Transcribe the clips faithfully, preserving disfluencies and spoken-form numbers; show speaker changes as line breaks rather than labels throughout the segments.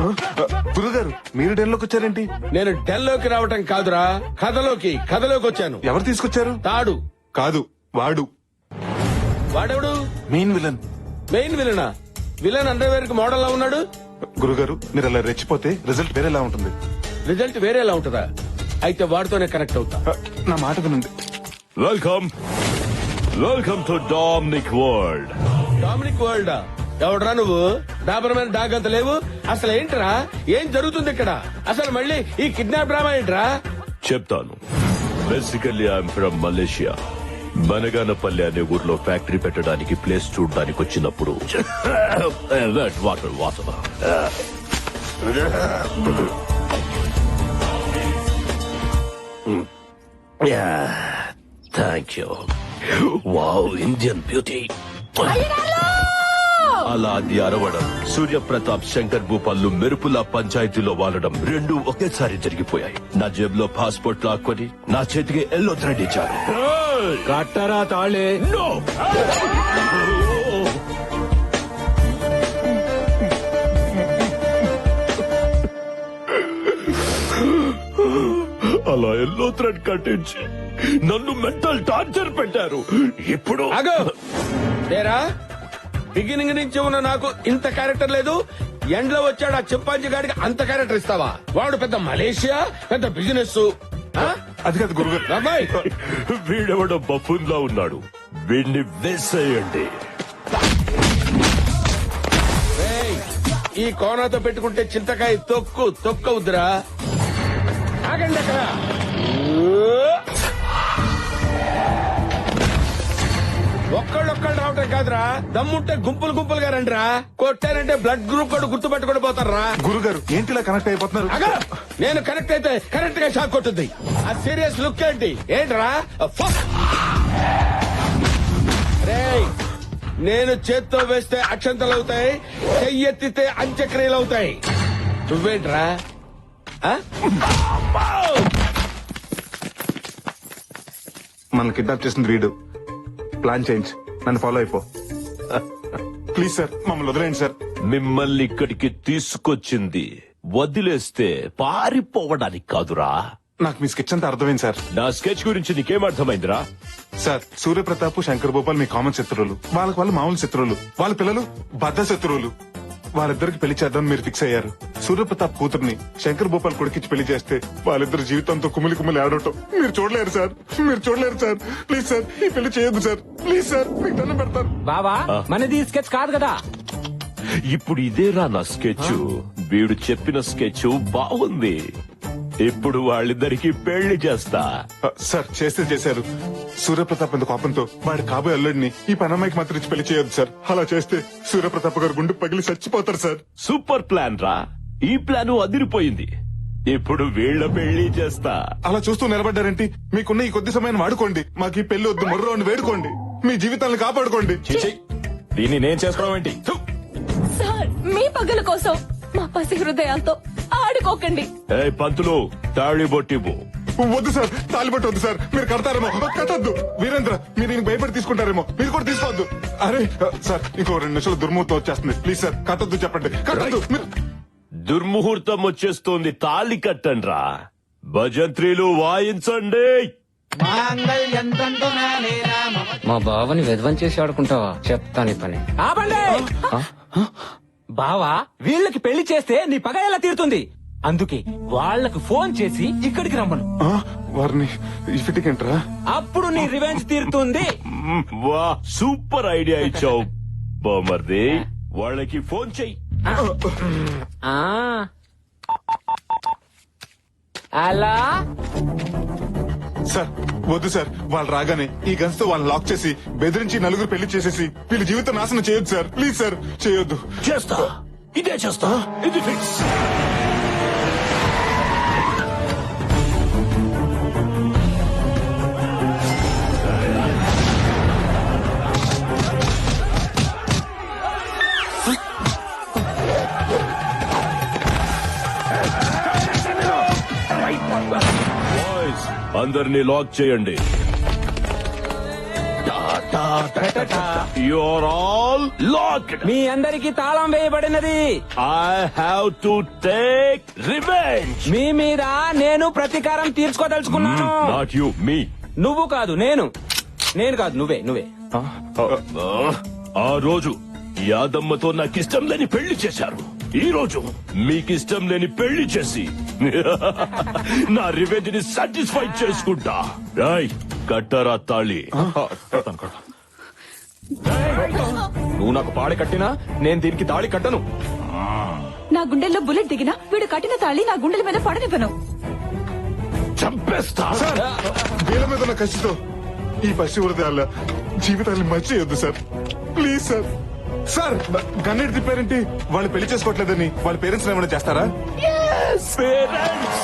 గురుగారు మీరు డెల్లోకి వచ్చారేంటి?
నేను డెల్లోకి రావటం కాదురా, కథలోకి కథలోకి వచ్చాను.
ఎవరు తీసుకొచ్చారు?
తాడు
కాదు, వాడు.
వాడెవడు?
Main villain.
మెయిన్ విలనా? విలన్ అండర్వేర్ కి మోడల్ లా ఉన్నాడు.
గురుగారు మీరు అలా రెచ్చిపోతే రిజల్ట్ వేరేలా ఉంటుంది.
రిజల్ట్ వేరేలా ఉంటుందా? అయితే వాడితోనే కనెక్ట్ అవుతా.
నా మాట వినండి.
Welcome welcome to Dominic world.
Dominic world ఎవడరా నువ్వు? డాబర్మెన్ డాగ్ అంత లేవు. అసలు ఏంట్రా, ఏం జరుగుతుంది ఇక్కడ? అసలు మళ్ళీ ఈ కిడ్నాప్ డ్రామా ఏంట్రా?
చెప్తాను. Basically I'm from Malaysia. Banaganapalli అనే ఊర్లో ఫ్యాక్టరీ పెట్టడానికి ప్లేస్ చూడడానికి వచ్చినప్పుడు water water thank you. Wow, Indian beauty. అలా అది అరవడం, సూర్యప్రతాప్ శంకర్ భూపాల్లు మెరుపుల పంచాయతీలో వాలడం రెండు ఒకేసారి జరిగిపోయాయి. నా జేబులో పాస్పోర్ట్ లాక్కొని నా చేతికి ఎల్లో థ్రెడ్ ఇచ్చారు.
కట్టరా తాళే.
No! అలా ఎల్లో థ్రెడ్ కట్టించి నన్ను మెంటల్ టార్చర్ పెట్టారు. ఇప్పుడు
ఆగో తేరా, బిగినింగ్ నుంచి ఉన్న నాకు ఇంత క్యారెక్టర్ లేదు. ఎండ్లో వచ్చాడు ఆ చింపాంజీ గాడికి అంత క్యారెక్టర్ ఇస్తావా? వాడు పెద్ద మలేషియా, పెద్ద బిజినెస్.
అది కాదు గురుగారు.
అబ్బాయి
వీడెవడో బఫూన్ లా ఉన్నాడు. వీడిని వేసేయండి.
ఏయ్, ఈ కోనాతో పెట్టుకుంటే చింతకాయ తొక్కు తొక్కవుద్దురా. ఆగండి అక్కడ. ఒక్కళ్ళొక్కళ్ళు రావటం కాదురా, దమ్ముంటే గుంపులు గుంపులుగా రండిరా. కొట్టారంటే బ్లడ్ గ్రూప్ కూడా గుర్తు పెట్టుకుని పోతారా.
గురుగారు ఏంటి ఇలా కనెక్ట్ అయిపోతున్నారు?
అగా నేను కనెక్ట్ అయితే కరెక్ట్ గా షాక్ కొట్టుద్ది. ఆ సీరియస్ లుక్ ఏంటి? ఏంట్రా? ఫక్. రేయ్, నేను చేత్తో వేస్తే అక్షంతలు అవుతాయి, చెయ్యెత్తితే అంత్యక్రియలు అవుతాయి. నువ్వేంట్రా?
మన కిడ్నాప్ చేసింది వీడు. ప్లాన్ చేంజ్, నన్ను ఫాలో అయిపో. ప్లీజ్ సార్, మమ్మల్ని వదిలేండి సార్.
మిమ్మల్ని ఇక్కడికి తీసుకొచ్చింది వదిలేస్తే పారిపోవడానికి కాదురా.
నాకు మీ స్కెచ్ అంతా అర్థమైంది సార్.
నా స్కెచ్ గురించి నీకేం అర్థమైందిరా?
సార్, సూర్యప్రతాప్ శంకర్ భూపాల్ మీ కామన్ శత్రువులు. వాళ్ళకి వాళ్ళు మామూలు శత్రువులు. వాళ్ళ పిల్లలు బద్ద శత్రువులు. వాళ్ళిద్దరికి పెళ్లి చేద్దాం మీరు ఫిక్స్ అయ్యారు. సూర్యప్రతాప్ కూతుర్ని శంకర్ భూపాల్ కొడుకిచ్చి పెళ్లి చేస్తే వాళ్ళిద్దరు జీవితంతో కుమిలి కుమిలి ఆడటం మీరు చూడలేరు సార్. మీరు చూడలేరు సార్. ప్లీజ్ సార్, ఈ పెళ్లి చేయొద్దు సార్. ప్లీజ్ సార్, మీకు దండం పెడతాను.
బాబా, మనది స్కెచ్ కాదు కదా.
ఇప్పుడు ఇదేరా నా స్కెచ్. వీడు చెప్పిన స్కెచ్ బాగుంది. ఇప్పుడు వాళ్ళిద్దరికి పెళ్లి చేస్తా.
సార్, చేస్తే చేశారు. సూర్యప్రతాప్ అంత కోపంతో వాడి కాబోయే అల్లుడిని ఈ పనమ్మాయికి మాత్రం ఇచ్చి పెళ్లి చేయొద్దు సార్. అలా చేస్తే సూర్యప్రతాప్ గారు గుండె పగిలి చచ్చిపోతారు సార్.
సూపర్ ప్లాన్ రా. ఈ ప్లాన్ అదిరిపోయింది. ఇప్పుడు వీళ్ళ పెళ్లి చేస్తా.
అలా చూస్తూ నిలబడ్డారేంటి? మీకున్న ఈ కొద్ది సమయాన్ని వాడుకోండి. మాకు ఈ పెళ్లి వద్దు, మొర్రో అని వేడుకోండి. మీ జీవితాలను కాపాడుకోండి.
దీన్ని నేను చేసుకోవడం ఏంటి?
సార్, మీ పగల కోసం మా పసి హృదయాలతో ఆడుకోకండి.
ఏ పంతులు, తాళి బొట్టివ్వు.
వద్దు సార్, తాలిబట్టు వద్దు సార్. మీరు కడతారేమో. కట్టద్దు. వీరేంద్ర, మీరు ఈయనకి భయపడి తీసుకుంటారేమో. మీరు కూడా తీసుకోవద్దు. అరే సార్, ఇంకో రెండు నిమిషాలు దుర్ముహూర్తం వచ్చేస్తుంది. ప్లీజ్ సార్, కట్టద్దు. చెప్పండి, కట్టద్దు. మీరు
దుర్ముహూర్తం వచ్చేస్తోంది. తాళి కట్టండ్రా. భజంత్రీలు వాయించండి.
మా బావని విధ్వం చేసి ఆడుకుంటావా? చెప్తాను ఈ పని. ఆపండి. బావా, వీళ్ళకి పెళ్లి చేస్తే నీ పగ ఎలా తీరుతుంది? అందుకే వాళ్లకు ఫోన్ చేసి ఇక్కడికి రమ్మను.
వారిని ఇఫిటికేంట్రా?
అప్పుడు నీ రివెంజ్ తీరుతుంది.
వా, సూపర్ ఐడియా ఇచ్చావు బామర్ది. వాళ్ళకి ఫోన్ చెయ్యి.
అలా
సార్, వద్దు సార్. వాళ్ళు రాగానే ఈ గన్స్ తో వాళ్ళని లాక్ చేసి బెదిరించి నలుగురు పెళ్లి చేసేసి వీళ్ళ జీవితం నాశనం చేయొద్దు సార్. ప్లీజ్ సార్, చేయొద్దు.
చేస్తా, ఇదే చేస్తా. ఇది ఫిక్స్. అందరినీ లాక్ చేయండి. Ta-ta you're all locked.
మీ అందరికి తాళం వేయబడినది.
I have to take revenge.
మీ మీద నేను ప్రతీకారం తీర్చుకోదలుచుకున్నాను.
నాట్ యు, మీ.
నువ్వు కాదు, నేను. నేను కాదు, నువ్వే నువ్వే.
ఆ రోజు యాదమ్మతో నాకిష్టం లేని పెళ్లి చేశారు. ఈ రోజు మీకిష్టం లేని పెళ్లి చేసి నా రివెంజ్ ని సాటిస్ఫై చేసుకుంటా. రాయ్ కట్టరా తాళి.
కడతాను, కడతాను. నువ్వు నాకు పాడి కట్టినా నేను దీనికి తాళి కట్టను.
నా గుండెల్లో బుల్లెట్ దిగినా వీడు కట్టిన తాళి నా గుండెల మీద పడనివ్వను.
చంపేస్తా.
సార్ వీళ్ళ మీద ఉన్న కసితో ఈ పసి హృదయాల జీవితాన్ని మంచి చేయొద్దు సార్. Please sir. సార్ గన్నెట్ తిప్పారేంటి? వాళ్ళు పెళ్లి చేసుకోవట్లేదని వాళ్ళ పేరెంట్స్ ఏమైనా చేస్తారా?
పేరెంట్స్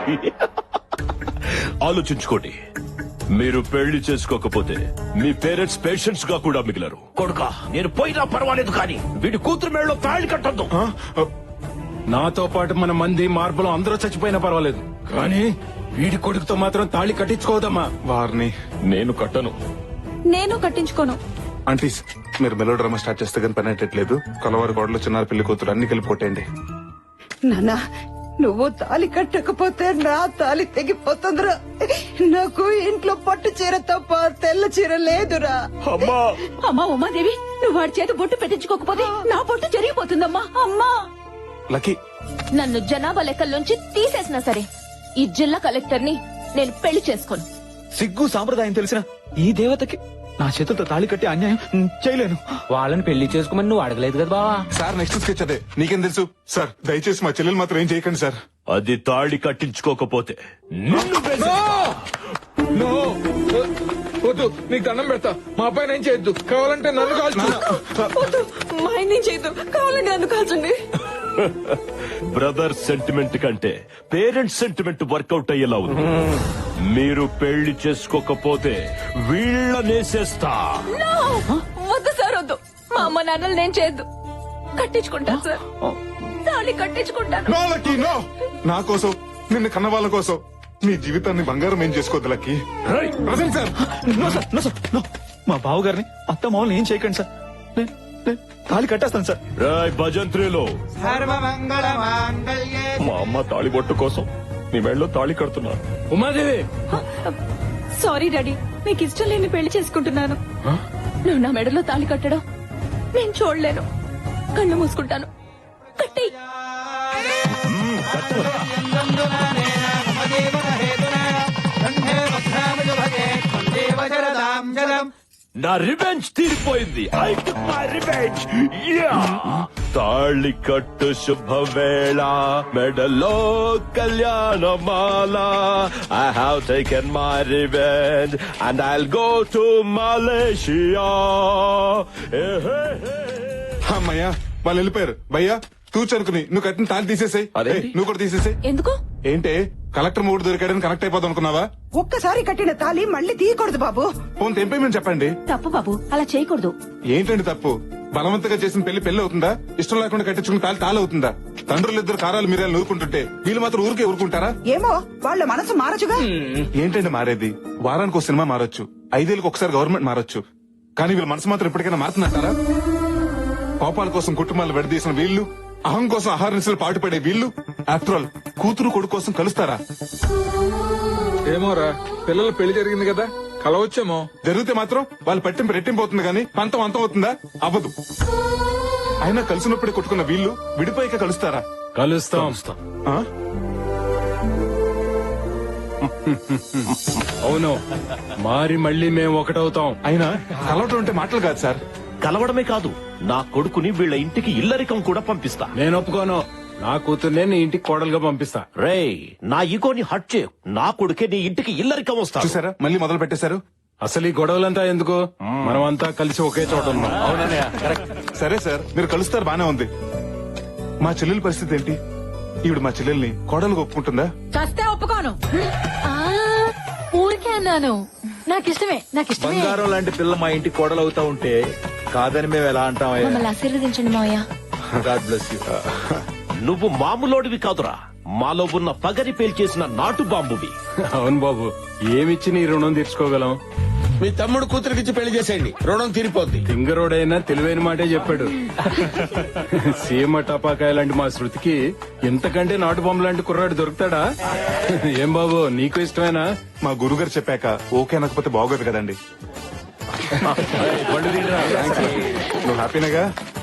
ఆలోచించుకోండి. మీరు పెళ్లి చేసుకోకపోతే మీ పేరెంట్స్ పేషెంట్స్ గా కూడా మిగిలరు. కొడుకా, నేను పోయినా పర్వాలేదు కానీ వీడి కూతురు మేడలో తాళి కట్టొద్దు.
ఆ?
నాతో పాటు మన మంది మార్పులు అందరూ చచ్చిపోయినా పర్వాలేదు కానీ వీడి కొడుకుతో మాత్రం తాళి కట్టించుకోదమ్మా.
వారిని
నేను కట్టను.
నేను కట్టించుకోను.
ఆంటీస్ మీరు మెలో డ్రామా స్టార్ట్ చేస్తే కానీ పని అయ్యట్లేదు. కలవారి గోడలు చిన్నారు పెళ్లి కూతురు అన్ని కలిపి కొట్టేయండి.
నాన్నా నువ్వు తాలి కట్టకపోతే నా తాలి తెగిపోతుందిరా. నాకు ఇంట్లో పట్టు చీర తప్ప తెల్ల చీర లేదురా.
అమ్మా
అమ్మా ఉమాదేవి, నువ్వు వాడి చేత బొట్టు పెట్టించుకోకపోతే నా బొట్టు జరిగిపోతుందమ్మా. అమ్మా,
లక్కీ
నన్ను జనాభా లెక్కల్లోంచి తీసేసినా సరే ఈ జిల్లా కలెక్టర్ ని నేను పెళ్లి చేసుకోను.
సిగ్గు సాంప్రదాయం తెలిసిన ఈ దేవతకి నా చేతులతో తాళి కట్టి అన్యాయం చేయలేను.
వాళ్ళని పెళ్లి చేసుకోమని నువ్వు అడగలేదు కదా బావా.
సార్ నెక్స్ట్ స్కెచ్ అదే. నీకేం తెలుసు సార్? దయచేసి మా చెల్లెలు మాత్రం ఏం చేయకండి సార్.
అది తాళి కట్టించుకోకపోతే నిన్ను వేసేస్తా.
నో, వద్దు, నీకు దండం పెడతా. మా అబ్బాయిని ఏం చేయొద్దు. కావాలంటే నన్ను కాల్చు.
వద్దు, మా ఆయన చేయొద్దు. కావాలంటే నన్ను కాల్చండి.
బ్రదర్ సెంటిమెంట్ కంటే పేరెంట్స్ సెంటిమెంట్ వర్కౌట్ అయ్యేలా ఉంది. మీరు పెళ్లి చేసుకోకపోతే వీళ్ళనేసేస్తా.
No! వద్దు సార్, వద్దు. మా అమ్మ నాన్నలు నేను చేయొద్దు. కట్టించుకుంటాను సార్, తాళి కట్టించుకుంటాను.
No lucky no. నా కోసం, నిన్ను కన్న వాళ్ళ కోసం నీ జీవితాన్ని బంగారం ఏం చేసుకోవద్దు లక్కీ.
రేయ్,
present sir.
No sir, no sir, no. మా బావ గారిని అత్త మామూలు ఏం చేయకండి సార్. నేను నేను తాళి కట్టేస్తాను సార్.
రాయ్ భజంత్రిలో
మా అమ్మ తాళి బొట్టు కోసం నీ మెడలో తాళి కడుతున్నా.
ఉమాదేవి,
సారీ డాడీ, మీకు ఇష్టం లేని పెళ్లి చేసుకుంటున్నాను. నువ్వు నా మెడలో తాళి కట్టడం నేను చూడలేను. కళ్ళు మూసుకుంటాను. కట్టి
నా రివెంజ్ తీరిపోయింది. I took my revenge. యా తాళి కట్టు శుభవేళ మెడలో కళ్యాణమాల. I have taken my revenge and I'll go to Malaysia.
అమ్మయ్యా వాళ్ళు వెళ్ళిపోయారు. భయ్యా తూచనుకుని నువ్వు కట్టిన తాళి తీసేసాయి.
అదేంటి?
నువ్వు కూడా తీసేసాయి.
ఎందుకు?
ఏంటే కలెక్టర్ మూడు దొరికాడని కనెక్ట్ అయిపోదాం అనుకున్నావా?
ఒక్కసారి కట్టిన తాలి మళ్ళీ తీయకూడదు బాబు.
ఫోన్ తెంపేమని చెప్పండి.
తప్పు బాబు, అలా చేయకూడదు.
ఏంటండి తప్పు? బలవంతంగా చేసిన పెళ్లి పెళ్లి అవుతుందా? ఇష్టం లేకుండా కట్టించుకున్న తాళి తాళి అవుతుందా? తండ్రులు ఇద్దరు కారాలు మీరాలు నూరుకుంటుంటే వీళ్ళు మాత్రం ఊరికే ఊరుకుంటారా?
ఏమో వాళ్ళ మనసు మారచుగా.
ఏంటండి మారేది? వారానికి ఒక సినిమా మారొచ్చు, ఐదేళ్ళకి ఒకసారి గవర్నమెంట్ మారొచ్చు, కానీ వీళ్ళ మనసు మాత్రం ఎప్పటికైనా మారుతుందంటారా? కోపాల కోసం కుటుంబాలు విడదీసిన వీళ్ళు, అహం కోసం ఆహార నిశలు పాటుపడే వీళ్ళు, ఆఫ్టర్ ఆల్ కూతురు కొడుకు కోసం కలుస్తారా?
ఏమోరా, పిల్లల పెళ్లి జరిగింది కదా, కలవచ్చేమో.
జరిగితే మాత్రం వాళ్ళు పట్టింపు రెట్టింపు అవుతుంది కానీ పంతం అంతం అవుతుందా? అవ్వదు. అయినా కలిసినప్పుడే కొట్టుకున్న వీళ్ళు విడిపోయాక కలుస్తారా?
కలుస్తాం.
ఆ?
అవును, మారి మళ్ళీ మేము ఒకటవుతాం.
అయినా కలవటం అంటే మాటలు కాదు సార్.
కలవడమే కాదు, నా కొడుకుని వీళ్ళ ఇంటికి ఇల్లరికం కూడా పంపిస్తా.
నేను ఒప్పుకోను. నా కూతుర్నే నీ ఇంటికి కోడలుగా పంపిస్తా.
రేయ్, నా ఈగోని హట్ చేయు. నా కొడుకే నీ ఇంటికి ఇల్లరికం వస్తా.
చూసారా మళ్ళీ మొదలు పెట్టేశారు.
అసలు ఈ గొడవలంతా ఎందుకు? మనం అంతా కలిసి ఒకే చోట ఉన్నాం.
సరే సార్, మీరు కలుస్తారు బానే ఉంది. మా చెల్లెల పరిస్థితి ఏంటి? ఈవిడ మా చెల్లెల్ని కోడలు ఒప్పుకుంటుందా?
చస్తే ఒప్పుకోను. ఊరికే అన్నాను. నాకు ఇష్టమే, నాకు ఇష్టమే.
బంగారం లాంటి పిల్ల మా ఇంటికి కోడలవుతా ఉంటే కాదని మేము ఎలా అంటామయ్యా?
మమ్మల్ని ఆశీర్వదించండి మావయ్య.
God bless you.
నువ్వు మామూలోడివి కాదురా, మాలో ఉన్న పగరి పేల్చేసిన నాటు బాంబువి.
అవును బాబు, ఏమిచ్చి నీ రుణం తీర్చుకోగలం?
మీ తమ్ముడు కూతురికిచ్చి పెళ్లి చేసేయండి రుణం తీరిపోద్ది
తింగరోడైనా తెలివైన మాటే చెప్పాడు. సీమ టపాకాయ లాంటి మా శృతికి ఇంతకంటే నాటు బొమ్మ లాంటి కుర్రాడు దొరుకుతాడా? ఏం బాబు నీకు ఇష్టమేనా?
మా గురుగారు చెప్పాక ఓకే అనకపోతే బాగోదు కదండి. నువ్వు హ్యాపీనేగా?